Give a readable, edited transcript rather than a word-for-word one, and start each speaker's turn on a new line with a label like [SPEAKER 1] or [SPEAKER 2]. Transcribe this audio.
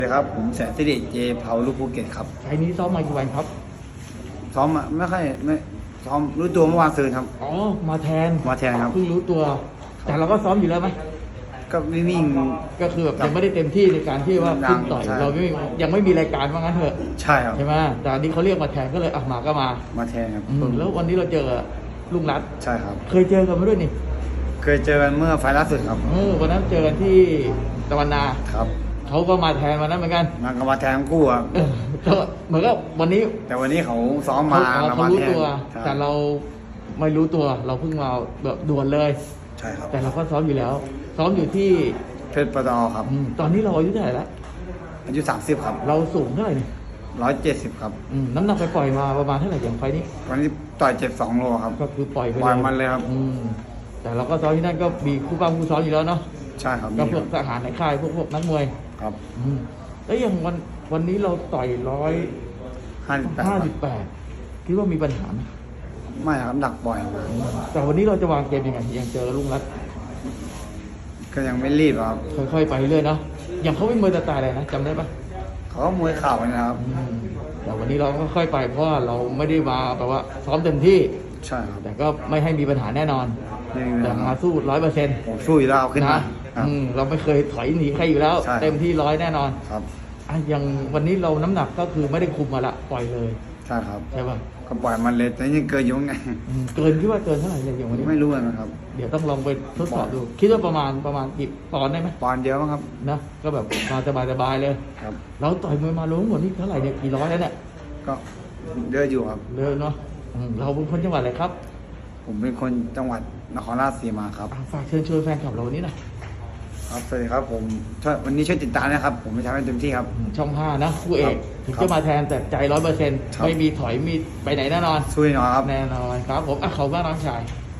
[SPEAKER 1] สวัสดีครับผมแสนสิริเจเผาลูกภูเก็ตครับ
[SPEAKER 2] ไฟล์นี้ซ้อมมากี่วันครับ
[SPEAKER 1] ซ้อมไม่ซ้อมรู้ตัวเมื่อวานซืนครับ
[SPEAKER 2] อ๋อมาแทน
[SPEAKER 1] ครับ
[SPEAKER 2] เพิ่งรู้ตัว แต่เราก็ซ้อมอยู่แล้วไหม
[SPEAKER 1] ก็วิ่ง
[SPEAKER 2] ก็คือแบบยังไม่ได้เต็มที่ในการที่ว่าขึ้นต่อยเรายังไม่มีรายการว่างั้นเถอะ
[SPEAKER 1] ใช่ครับ
[SPEAKER 2] ใช่ไหมแต่อันนี้เขาเรียกมาแทนก็เลยมาก็
[SPEAKER 1] มาแทนครับ
[SPEAKER 2] แล้ววันนี้เราเจอลุงรัต
[SPEAKER 1] ใช่ครับ
[SPEAKER 2] เคยเจอกันมาด้วยนี่
[SPEAKER 1] เคยเจอกันเมื่อไฟล์ล่าสุดครับ
[SPEAKER 2] วันนั้นเจอกันที่ตะวันนา
[SPEAKER 1] ครับ
[SPEAKER 2] เขาก็มาแทนวันนั้นเหมือนกัน
[SPEAKER 1] มาแทนทั้งคู่ครับ
[SPEAKER 2] ก็เหมือนกับวันนี้
[SPEAKER 1] แต่วันนี้เขาซ้อมมา
[SPEAKER 2] เขารู้ตัวแต่เราไม่รู้ตัวเราเพิ่งมาแบบด่วนเลย
[SPEAKER 1] ใช่ครับ
[SPEAKER 2] แต่เราก็ซ้อมอยู่แล้วซ้อมอยู่ที่
[SPEAKER 1] เพชรปตอครับ
[SPEAKER 2] ตอนนี้เราอายุเท่าไหร่แล้ว
[SPEAKER 1] อายุ30ครับ
[SPEAKER 2] เราสูงเท่าไหร่เนี่ย
[SPEAKER 1] 170ครับ
[SPEAKER 2] น้ำหนักไปปล่อยมาประมาณเท่าไหร่อย่างไฟนี้
[SPEAKER 1] วันนี้ต่อย72โลครับ
[SPEAKER 2] ก็คือปล่อยไป
[SPEAKER 1] มันเลยครับ
[SPEAKER 2] แต่เราก็ซ้อมที่นั่นก็มีคู่ป้าคู่ซ้อมอยู่แล้วเนาะ
[SPEAKER 1] ใช่ครับ
[SPEAKER 2] ก็พวกทหารในค่ายพวกนักมวย
[SPEAKER 1] ครับ
[SPEAKER 2] แล้วอย่างวันนี้เราต่อย158คิดว่ามีปัญหาไหม
[SPEAKER 1] ไม่ครับหนักบ่อย
[SPEAKER 2] แต่วันนี้เราจะวางเกมยังไงยังเจอลุงรัต
[SPEAKER 1] ก็ยังไม่รีบครับ
[SPEAKER 2] ค่อยๆไปเรื่อยเนาะอย่างเขาเป็นมวยสไตล์อะไรนะจำได้ปะ
[SPEAKER 1] เขามวยเข่านะครับ
[SPEAKER 2] แต่วันนี้เราก็ค่อยไปเพราะว่าเราไม่ได้มาแบบว่าซ้อมเต็มที่
[SPEAKER 1] ใช่ครับ
[SPEAKER 2] แต่ก็ไม่ให้มีปัญหาแน่นอนแต่มาสู้100%
[SPEAKER 1] ผมสู้อยู่แล้วขึ้นมา
[SPEAKER 2] เราไม่เคยถอยหนีใครอยู่แล้วเต็มที่100แน่นอน
[SPEAKER 1] ครับ
[SPEAKER 2] อย่างวันนี้เราน้ำหนักก็คือไม่ได้คุมมาละปล่อยเลย
[SPEAKER 1] ใช่ครับ
[SPEAKER 2] ใช่ป่ะ
[SPEAKER 1] ก็ปล่อยมันเลยแต่ยังเกินอยู่ไง
[SPEAKER 2] เกินคิดว่าเกินเท่าไหร่เลยอย่างวันนี้
[SPEAKER 1] ไม่รู้นะครับ
[SPEAKER 2] เดี๋ยวต้องลองไปทดสอบดูคิดว่าประมาณกี่ปอนด์ได้ไหม
[SPEAKER 1] ปอนด์เดียวมั้งครับ
[SPEAKER 2] นะก็แบบมาสบายเลย
[SPEAKER 1] ครับ
[SPEAKER 2] เราต่อยมวยมาล้มหมดนี่เท่าไหร่เนี่ยกี่ร้อยแล้วเนี่ย
[SPEAKER 1] ก็เยอะอยู่ครับ
[SPEAKER 2] เยอะเนาะเราเป็นคนจังหวัดอะไรครับ
[SPEAKER 1] ผมเป็นคนจังหวัดนครราชสีมาครับ
[SPEAKER 2] ฝากเชิญชวนแฟนคลับเราวันนี้หน่อย
[SPEAKER 1] ครับสวัสดีครับผมวันนี้ช่วยติดตามนะครับผมจะทำให้เต็มที่ครับ
[SPEAKER 2] ช่อง5นะคู่เอกถึงจะมาแทนแต่ใจ100%ไม่มีถอยมีไปไหนแน่นอน
[SPEAKER 1] ช่วยหน่อยครับ
[SPEAKER 2] แน่นอนครับผมขอบคุณมากน้องชาย